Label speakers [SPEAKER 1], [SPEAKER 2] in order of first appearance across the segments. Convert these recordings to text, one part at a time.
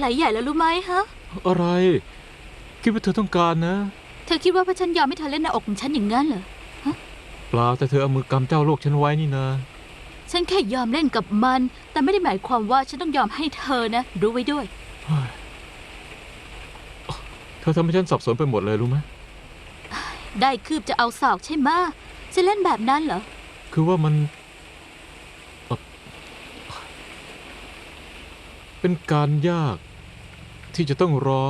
[SPEAKER 1] ไหลใหญ่แล้วรู้ไหมฮะ
[SPEAKER 2] อะไรคิดว่าเธอต้องการนะ
[SPEAKER 1] เธอคิดว่าเพราะฉันยอมให้เธอเล่นหน้าอกของฉันอย่างนั้นเหรอ
[SPEAKER 2] เปล่าแต่เธอเอามือกำเจ้าโลกฉันไว้นี่นะ
[SPEAKER 1] ฉันแค่ยอมเล่นกับมันแต่ไม่ได้หมายความว่าฉันต้องยอมให้เธอนะรู้ไว้ด้วย
[SPEAKER 2] เธอทำให้ฉันสับสนไปหมดเลยรู้ไหม
[SPEAKER 1] ได้คืบจะเอาศอกใช่ไหมจะเล่นแบบนั้นเหรอ
[SPEAKER 2] คือว่ามันเป็นการยากที่จะต้องรอ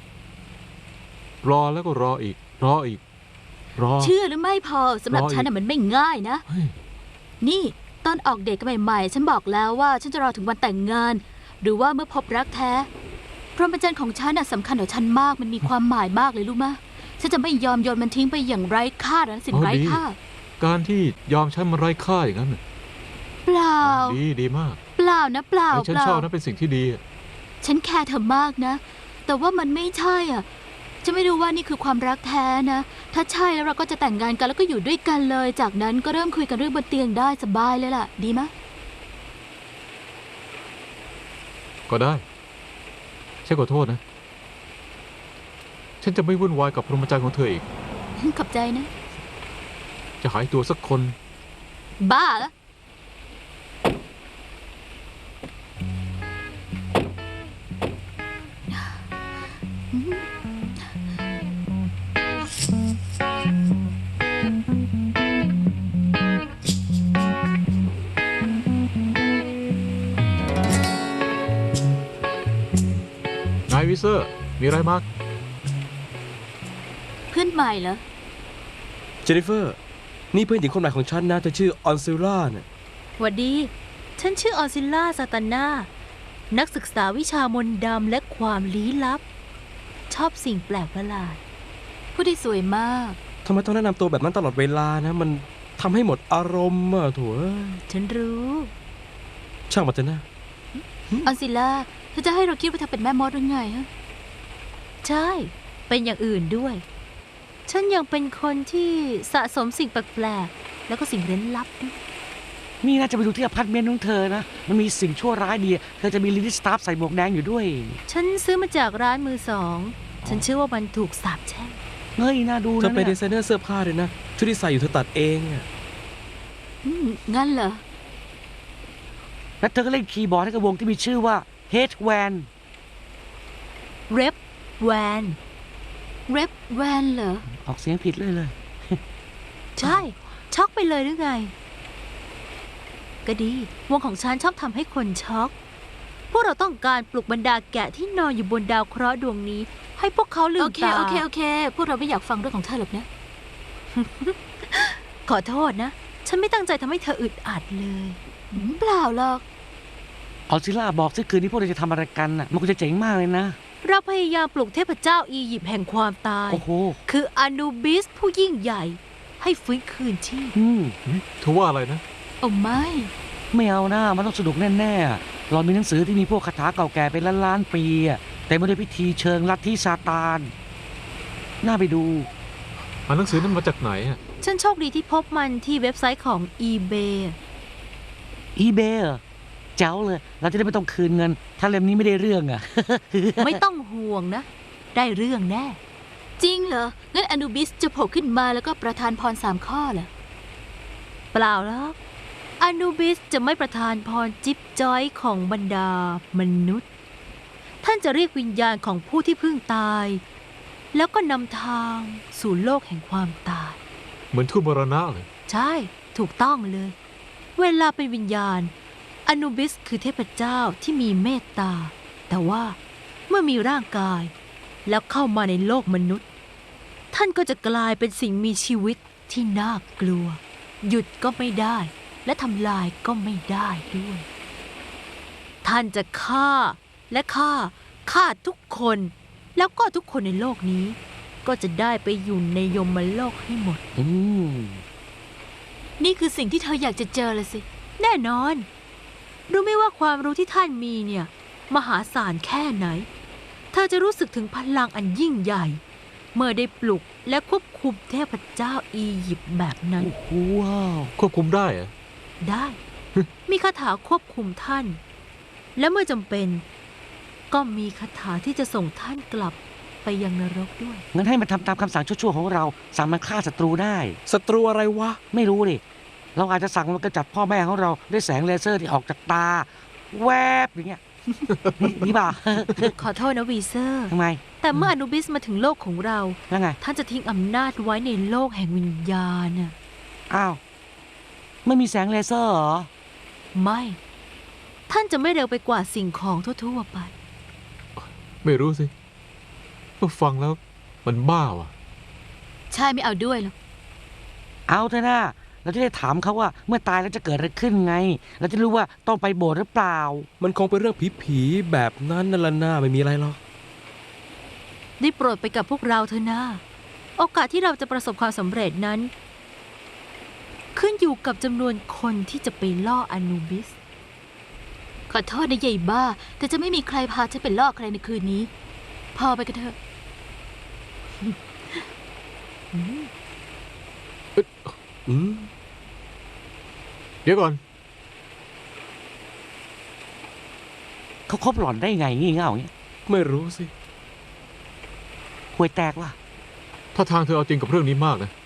[SPEAKER 2] แล้วก็รออีกรอ
[SPEAKER 1] เชื่อหรือไม่พอสำหรับฉันมันไม่ง่ายนะนี่ตอนออกเดทกันใหม่ๆฉันบอกแล้วว่าฉันจะรอถึงวันแต่งงานหรือว่าเมื่อพบรักแท้พรหมจรรย์ของฉันสำคัญต่อฉันมากมันมีความหมายมากเลยรู้มะฉันจะไม่ยอมโยนมันทิ้งไปอย่างไร้ค่านะสิ่งไร้ค่า
[SPEAKER 2] การที่ยอมใช้มันไร้ค่าอย่างนั้น
[SPEAKER 1] เปล่า
[SPEAKER 2] ดีมาก
[SPEAKER 1] เปล่านะเปล่า
[SPEAKER 2] ฉันชอบนะเป็นสิ่งที่ดี
[SPEAKER 1] ฉันแคร์เธอมากนะแต่ว่ามันไม่ใช่จะไม่รู้ว่านี่คือความรักแท้นะถ้าใช่แล้วเราก็จะแต่งงานกันแล้วก็อยู่ด้วยกันเลยจากนั้นก็เริ่มคุยกันเรื่องบนเตียงได้สบายเลยล่ะดีไหม
[SPEAKER 2] ก็ได้ฉันขอโทษนะฉันจะไม่วุ่นวายกับพรหมจรรย์ของเธออีก
[SPEAKER 1] ขอบใจนะ
[SPEAKER 2] จะหายตัวสักคน
[SPEAKER 1] บ้าเหร
[SPEAKER 2] อนายวิเซอร์มีอะไรมาก
[SPEAKER 1] เพื่อนใหม่เหรอ
[SPEAKER 3] เจนนิเฟอร์นี่เพื่อนหญิงคนใหม่ของฉันนะเธอชื่อออนซิล่าเนี่ย
[SPEAKER 4] หวัดดีฉันชื่อออนซิล่าซาตานานักศึกษาวิชามนต์ดำและความลี้ลับชอบสิ่งแปลกประหลาด
[SPEAKER 1] ผู้ที่สวยมาก
[SPEAKER 3] ทำไมต้องแนะนำตัวแบบนั้นตลอดเวลานะมันทำให้หมดอารมณ์อะโถ่
[SPEAKER 4] ฉันรู้
[SPEAKER 3] ช่างมันเถอะนะ
[SPEAKER 1] ออนซิล่าเธอจะให้เราคิดว่าเธอเป็นแม่มดหรือไงฮะ
[SPEAKER 4] ใช่เป็นอย่างอื่นด้วยฉันยังเป็นคนที่สะสมสิ่งแปลกๆแล้วก็สิ่งเร้นลับด้วย
[SPEAKER 5] นี่น่าจะไปดูที่อพาร์ตเมนต์ของเธอนะมันมีสิ่งชั่วร้ายดีเธอจะมีลิลิสตาฟใส่หมวกแดงอยู่ด้วย
[SPEAKER 4] ฉันซื้อมาจากร้านมือสองฉันเชื่อว่ามันถูกสาปแช่ง
[SPEAKER 5] เฮ้ยน่าดูนะ
[SPEAKER 3] เธอเป็นดีไซเนอร์เสื้อผ้าเลยนะชุดที่ใส่อยู่เธอตัดเองอะ
[SPEAKER 1] งั้นเหรอ
[SPEAKER 5] แล้วเธอก็เล่นคีย์บอร์ดให้กับวงที่มีชื่อว่าเฮดแวน
[SPEAKER 4] เรปแวน
[SPEAKER 1] เหรอ
[SPEAKER 5] ออกเสียงผิดเลย
[SPEAKER 4] ใช่ช็อกไปเลยหรือไงก็ดีวงของฉันชอบทำให้คนช็อกพวกเราต้องการปลุกบรรดาแกะที่นอนอยู่บนดาวเคราะห์ดวงนี้ให้พวกเขาลืมตา
[SPEAKER 1] โอเคพวกเราไม่อยากฟังเรื่องของเธอหรอกนะ
[SPEAKER 4] ขอโทษนะฉันไม่ตั้งใจทำให้เธออึดอัดเลย
[SPEAKER 1] เปล่าหรอก
[SPEAKER 5] ออซิล่าบอกสิคืนนี้พวกเราจะทำอะไรกันน่ะมันก็จะเจ๋งมากเลยนะ
[SPEAKER 4] เราพยายามปลุกเทพเจ้าอียิปต์แห่งความตายคืออนูบิสผู้ยิ่งใหญ่ให้ฟื้นคืนชีพ
[SPEAKER 2] เธอว่าอะไรนะ
[SPEAKER 1] โอ้
[SPEAKER 5] ไม่เอานะมันต้องสนุกแน่ๆเรามีหนังสือที่มีพวกคาถาเก่าแก่เป็นล้านๆปีแต่ไม่ได้พิธีเชิงลัทธิซาตานน่าไปดู
[SPEAKER 2] หนังสือนั้นมาจากไหน
[SPEAKER 4] ฉันโชคดีที่พบมันที่เว็บไซต์ของ eBay
[SPEAKER 5] เจ้าเลยเราจะได้ไม่ต้องคืนเงินถ้าเล่มนี้ไม่ได้เรื่อง
[SPEAKER 4] ไม่ต้องห่วงนะได้เรื่องแน่
[SPEAKER 1] จริงเหรองั้นอนูบิสจะโผล่ขึ้นมาแล้วก็ประทานพร3 ข้อเหรอ
[SPEAKER 4] เปล่าหรอกอนูบิสจะไม่ประทานพรจิ๊บจ้อยของบรรดามนุษย์ท่านจะเรียกวิญญาณของผู้ที่เพิ่งตายแล้วก็นำทางสู่โลกแห่งความตาย
[SPEAKER 2] เหมือนทูตมรณะเลย
[SPEAKER 4] ใช่ถูกต้องเลยเวลาเป็นวิญญาณอนูบิสคือเทพเจ้าที่มีเมตตาแต่ว่าเมื่อมีร่างกายแล้วเข้ามาในโลกมนุษย์ท่านก็จะกลายเป็นสิ่งมีชีวิตที่น่ากลัวหยุดก็ไม่ได้และทำลายก็ไม่ได้ด้วยท่านจะฆ่าทุกคนแล้วก็ทุกคนในโลกนี้ก็จะได้ไปอยู่ในยมโลกให้หมด
[SPEAKER 1] นี่คือสิ่งที่เธออยากจะเจอเลยสิ
[SPEAKER 4] แน่นอนรู้ไหมว่าความรู้ที่ท่านมีเนี่ยมหาศาลแค่ไหนเธอจะรู้สึกถึงพลังอันยิ่งใหญ่เมื่อได้ปลุกและควบคุมเทพเจ้าอียิปต์แบบนั้น
[SPEAKER 2] ว้าวควบคุมได้เหรอ
[SPEAKER 4] ได้ มีคาถาควบคุมท่านและเมื่อจำเป็นก็มีคาถาที่จะส่งท่านกลับไปยังนรกด้วย
[SPEAKER 5] งั้นให้มันทำตามคำสั่งชั่วๆของเรา สั่งมันฆ่าศัตรูได้
[SPEAKER 3] ศัตรูอะไรวะ
[SPEAKER 5] ไม่รู้ดิ เราอาจจะสั่งมันกำจัดพ่อแม่ของเราด้วยแสงเลเซอร์ที่ออกจากตา แวบอย่างเงี้ย นี่ป่ะ
[SPEAKER 4] ขอโทษนะวีเซอร์
[SPEAKER 5] ทำไม
[SPEAKER 4] แต่เมื่ออนุบิสมาถึงโลกของเรา
[SPEAKER 5] แล้วไง
[SPEAKER 4] ท่านจะทิ้งอำนาจไว้ในโลกแห่งวิญญาณน่ะ
[SPEAKER 5] อ้าว ไม่มีแสงเลเซอร์เหรอ
[SPEAKER 4] ไม่ ท่านจะไม่เร็วไปกว่าสิ่งของทั่วๆไป
[SPEAKER 2] ไม่รู้สิก็ฟังแล้วมันบ้าว่ะ
[SPEAKER 1] ใช่ไม่เอาด้วยหรอก
[SPEAKER 5] เอาเถอะนะเราจะได้ถามเขาว่าเมื่อตายแล้วจะเกิดอะไรขึ้นไง เราจะรู้ว่าต้องไปโบสถ์หรือเปล่า
[SPEAKER 3] มันคงเป็นเรื่องผีๆแบบนั้นนั่นละหน้าไม่มีอะไรหรอก
[SPEAKER 4] ได้โปรดไปกับพวกเราเถอะนะโอกาสที่เราจะประสบความสำเร็จนั้น ขึ้นอยู่กับจำนวนคนที่จะไปล่ออนูบิส
[SPEAKER 1] ขอโทษนะยายบ้า แต่จะไม่มีใครพาฉันไปล่อใครในคืนนี้ พอไปกันเถอะ
[SPEAKER 3] อืม
[SPEAKER 2] เดี๋ยวก่อน
[SPEAKER 5] เขาคบหล่อนได้ไงงี่เง่าอย่างเงี้ย
[SPEAKER 3] ไม่รู้สิ
[SPEAKER 5] ห่วยแตกว่ะ
[SPEAKER 2] ถ้าทางเธอเอาจริงกับเรื่องนี้มากนะ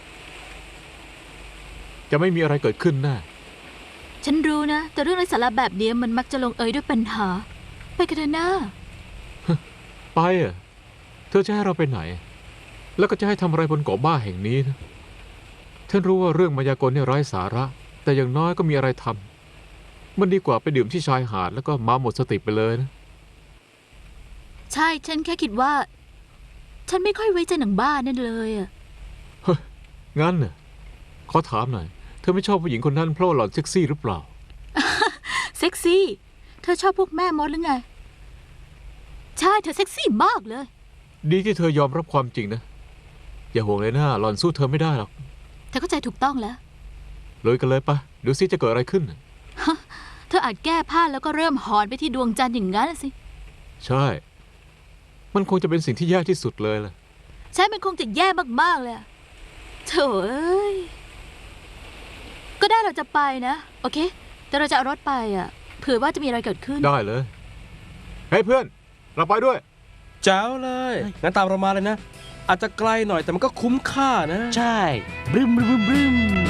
[SPEAKER 2] จะไม่มีอะไรเกิดขึ้นแน่
[SPEAKER 1] ฉันรู้นะ แต่เรื่องไร้สาระแบบนี้มันมักจะลงเอยด้วยปัญหา ไปกันเถอะนะ
[SPEAKER 2] ไปอ่ะ เธอจะให้เราไปไหน แล้วก็จะให้ทำอะไรบนเกาะบ้าแห่งนี้นะฉันรู้ว่าเรื่องมายากลเนี่ยไร้สาระ แต่อย่างน้อยก็มีอะไรทำมันดีกว่าไปดื่มที่ชายหาดแล้วก็มาหมดสติไปเลยนะ
[SPEAKER 1] ใช่ ฉันแค่คิดว่า ฉันไม่ค่อยไว้ใจหนังบ้านั่นเลยอะ
[SPEAKER 2] งั้นน่ะขอถามหน่อย เธอไม่ชอบผู้หญิงคนนั้นเพราะว่าหล่อนเซ็กซี่หรือเปล่า
[SPEAKER 1] เซ็กซี่ เธอชอบพวกแม่มดหรือไง ใช่ เธอเซ็กซี่มากเลย
[SPEAKER 2] ดีที่เธอยอมรับความจริงนะ อย่าห่วงเลยนะหล่อนสู้เธอไม่ได้หรอก
[SPEAKER 1] เธอเข้าใจถูกต้องแล้ว
[SPEAKER 2] เลยกันเลยปะดูซิจะเกิดอะไรขึ้นน่ะ
[SPEAKER 1] เธออาจแก้ผ้าแล้วก็เริ่มหอนไปที่ดวงจันทร์อย่างนั้นน่ะสิ
[SPEAKER 2] ใช่ มันคงจะเป็นสิ่งที่แย่ที่สุดเลยล่ะ
[SPEAKER 1] ใช่ มันคงจะแย่มากๆเลยอะโถ่เอ้ย ก็ได้เราจะไปนะ โอเค แต่เราจะเอารถไปอ่ะ เผื่อว่าจะมีอะไรเกิดขึ้น
[SPEAKER 2] ได้เลย เฮ้ยเพื่อน เราไปด้วย
[SPEAKER 3] เจ้าเลย งั้นตามเรามาเลยนะ อาจจะไกลหน่อยแต่มันก็คุ้มค่านะ
[SPEAKER 5] ใช่ บรึมบรึมบรึม